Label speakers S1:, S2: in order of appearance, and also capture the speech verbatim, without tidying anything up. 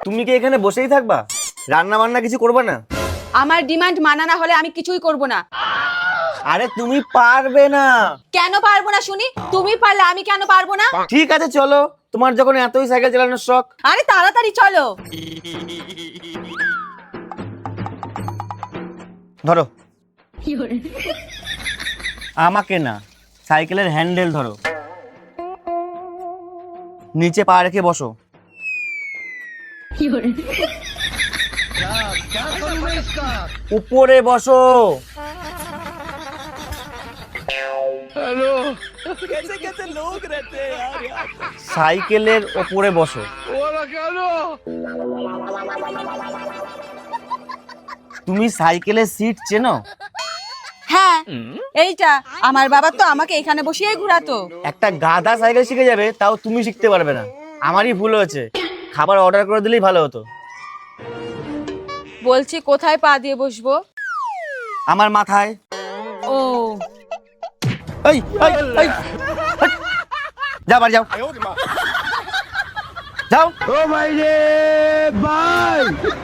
S1: তুমি কি এখানে বসেই থাকবা? রান্না বান্না কিছু করবে না?
S2: আমার ডিমান্ড মানা না হলে আমি কিছুই করব না।
S1: আরে তুমি পারবে না।
S2: কেন পারবো না শুনি? তুমি পারলে আমি কেন পারবো না?
S1: ঠিক আছে চলো, তোমার যখন এতই সাইকেল চালানোর শখ।
S2: আরে তাড়াতাড়ি চলো।
S1: ধরো। আমাকে না, সাইকেলের হ্যান্ডেল ধরো, নিচে পা রেখে বসো। উপরে বসো। সাইকেলের ওপরে বসো। তুমি সাইকেলের সিট চেনো?
S2: হ্যাঁ, এইটা আমার বাবা তো আমাকে এখানে বসিয়েই ঘোরাতো।
S1: একটা গাধা সাইকেল শিখে যাবে, তাও তুমি শিখতে পারবে না। আমারই ভুল হয়েছে, খাবার অর্ডার করে দিলেই ভালো হতো।
S2: বলছি কোথায় পা দিয়ে বসবো?
S1: আমার মাথায়।
S2: ও
S1: এই এই এই যাও বাড়ি যাও, যাও।
S3: ও ভাই রে ভাই।